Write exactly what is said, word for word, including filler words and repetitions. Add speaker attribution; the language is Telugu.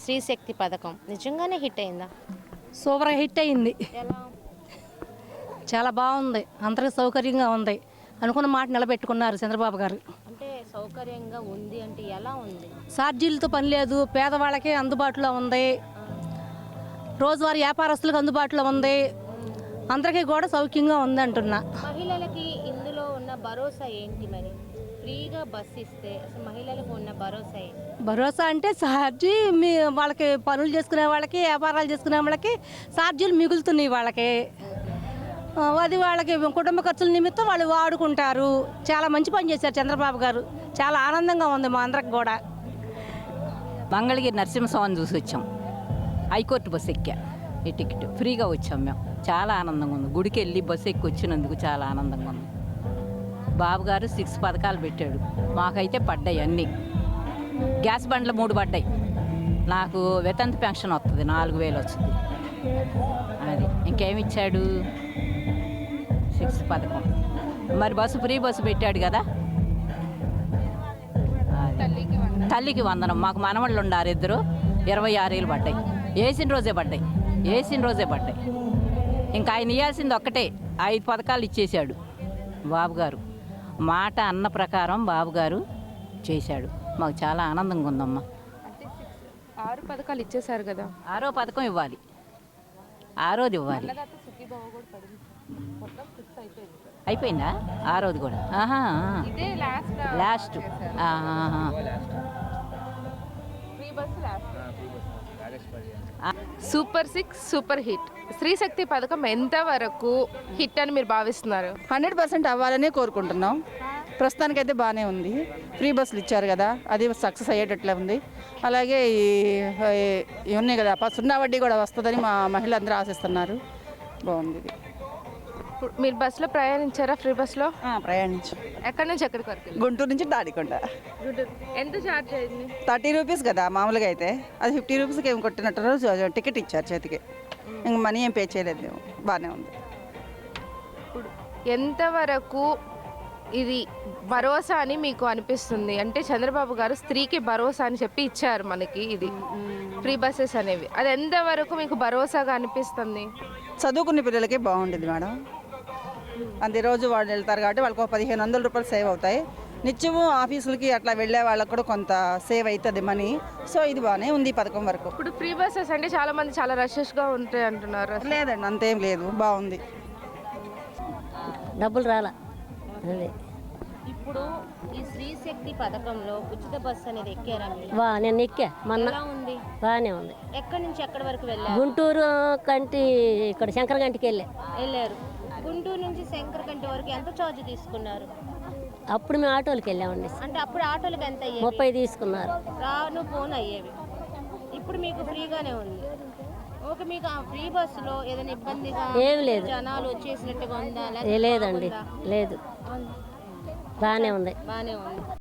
Speaker 1: శ్రీశక్తి పథకం నిజంగానే హిట్ అయిందా?
Speaker 2: సూపర్గా హిట్ అయింది.
Speaker 1: ఎలా?
Speaker 2: చాలా బాగుంది, అందరికి సౌకర్యంగా ఉంది. అనుకున్న మాట నిలబెట్టుకున్నారు చంద్రబాబు గారు.
Speaker 1: అంటే సౌకర్యంగా ఉంది అంటే ఎలా ఉంది?
Speaker 2: ఛార్జీలతో పని లేదు, పేదవాళ్ళకి అందుబాటులో ఉంది, రోజువారీ వ్యాపారస్తులకు అందుబాటులో ఉంది, అందరికీ కూడా సౌఖ్యంగా ఉంది అంటున్నా.
Speaker 1: మహిళలకి ఇందులో ఉన్న భరోసా ఏంటి మరి? ఫ్రీగా బస్ ఇస్తే అసలు మహిళలకు ఉన్న భరోసా ఏంటి?
Speaker 2: భరోసా అంటే ఛార్జీ మీ వాళ్ళకి పనులు చేసుకునే వాళ్ళకి, వ్యాపారాలు చేసుకునే వాళ్ళకి ఛార్జీలు మిగులుతున్నాయి వాళ్ళకి. ఆ, అది వాళ్ళకి కుటుంబ ఖర్చుల నిమిత్తం వాళ్ళు వాడుకుంటారు. చాలా మంచి పని చేశారు చంద్రబాబు గారు. చాలా ఆనందంగా ఉంది మా అందరికి కూడా.
Speaker 3: మంగళగిరి నరసింహస్వామిని చూసి వచ్చాం. హైకోర్టు బస్సు ఎక్కా, ఈ టికెట్ ఫ్రీగా వచ్చాం మేము. చాలా ఆనందంగా ఉంది. గుడికి వెళ్ళి బస్సు ఎక్కి వచ్చినందుకు చాలా ఆనందంగా ఉంది. బాబు గారు సిక్స్ పథకాలు పెట్టాడు, మాకైతే పడ్డాయి అన్నీ. గ్యాస్ బండ్లు మూడు పడ్డాయి. నాకు వితంతు పెన్షన్ వస్తుంది, నాలుగు వేలు వస్తుంది. అది ఇంకేమి ఇచ్చాడు? సిక్స్ పథకం. మరి బస్సు ఫ్రీ బస్సు పెట్టాడు కదా. తల్లికి వందనం. మాకు మనవళ్ళు ఉండారు ఇద్దరు, ఇరవై ఆరు ఏళ్ళు పడ్డాయి. వేసిన రోజే పడ్డాయి, వేసిన రోజే పడ్డాయి. ఇంకా ఆయన ఇవ్వాల్సింది ఒక్కటే, ఐదు పథకాలు ఇచ్చేశాడు బాబు గారు. మాట అన్న ప్రకారం బాబు గారు చేశాడు. మాకు చాలా ఆనందంగా ఉందమ్మా.
Speaker 4: ఆరు పథకాలు ఇచ్చేశారు కదా,
Speaker 3: ఆరో పథకం ఇవ్వాలి, ఆరోది ఇవ్వాలి. అయిపోయిందా ఆరోది కూడా? ఆహా, last.
Speaker 4: Super six super hit. Shrishakti పథకం ఎంతవరకు హిట్ అని మీరు భావిస్తున్నారు?
Speaker 5: హండ్రెడ్ పర్సెంట్ అవ్వాలనే కోరుకుంటున్నాం. ప్రస్తుతానికైతే బాగానే ఉంది. ఫ్రీ బస్సులు ఇచ్చారు కదా, అది సక్సెస్ అయ్యేటట్లే ఉంది. అలాగే ఈ ఈ ఉన్నాయి కదా, సున్నా వడ్డీ కూడా వస్తుందని మా మహిళలందరూ ఆశిస్తున్నారు. బాగుంది ఇది.
Speaker 4: ఇప్పుడు మీరు బస్సులో ప్రయాణించారా? ఫ్రీ బస్సులో
Speaker 5: ప్రయాణించు.
Speaker 4: ఎక్కడి నుంచి ఎక్కడికి వరకు?
Speaker 5: గుంటూరు నుంచి తాడికొండ.
Speaker 4: ఎంత ఛార్జ్ అయింది?
Speaker 5: థర్టీ రూపీస్ కదా మామూలుగా అయితే, అది ఫిఫ్టీ రూపీస్కి ఏం కొట్టినట్టు టికెట్ ఇచ్చారు చేతికి. ఇంక మనీ ఏం పే చేయలేదు మేము. బాగానే ఉంది.
Speaker 4: ఇప్పుడు ఎంతవరకు ఇది భరోసా అని మీకు అనిపిస్తుంది? అంటే చంద్రబాబు గారు స్త్రీకి భరోసా అని చెప్పి ఇచ్చారు మనకి ఇది ఫ్రీ బస్సెస్ అనేవి. అది ఎంతవరకు మీకు భరోసాగా అనిపిస్తుంది?
Speaker 5: చదువుకునే పిల్లలకి బాగుంటుంది మేడం. అంతే రోజు వాళ్ళు వెళ్తారు కాబట్టి వాళ్ళకి ఒక పదిహేను వందల రూపాయలు సేవ్ అవుతాయి. నిత్యము ఆఫీసులకి అట్లా వెళ్ళే వాళ్ళకి కూడా కొంత సేవ్ అవుతుంది మనీ. సో ఇది బాగానే ఉంది ఈ పథకం వరకు.
Speaker 4: ఇప్పుడు ఫ్రీ బస్సెస్ అంటే చాలా మంది చాలా రషెస్గా ఉంటాయి అంటున్నారు.
Speaker 5: లేదండి, అంతేం లేదు, బాగుంది.
Speaker 2: డబ్బులు రాలా. అదే
Speaker 1: ఇప్పుడు ఈ శ్రీశక్తి పథకంలో ఉచిత బస్సు అనేది ఎక్కారా మీరు?
Speaker 2: వా నేను ఎక్కా మొన్న.
Speaker 1: ఎలా ఉంది?
Speaker 2: బాగానే ఉంది.
Speaker 1: ఎక్కడి నుంచి ఎక్కడి వరకు వెళ్ళారు?
Speaker 2: గుంటూరు కంటి ఇక్కడ శంకరగంటికి వెళ్ళా.
Speaker 1: వెళ్ళారు. గుంటూరు నుంచి శంకరకంటి వరకు ఎంత ఛార్జ్ తీసుకున్నారు?
Speaker 2: అప్పుడు మేము ఆటోలకి వెళ్ళామండి.
Speaker 1: అంటే అప్పుడు ఆటోలకు ఎంత అయ్యేది?
Speaker 2: ముప్పై తీసుకున్నారు.
Speaker 1: రాను ఫోన్ అయ్యేవి. ఇప్పుడు మీకు ఫ్రీగానే ఉంది. ఓకే, మీకు ఆ ఫ్రీ బస్సులో ఏదైనా ఇబ్బందిగా
Speaker 2: ఏం లేదు,
Speaker 1: జనాలు వచ్చేసినట్టుగా ఉందా?
Speaker 2: లేదండి, లేదు, బాగానే ఉంది.
Speaker 1: బాగానే ఉంది.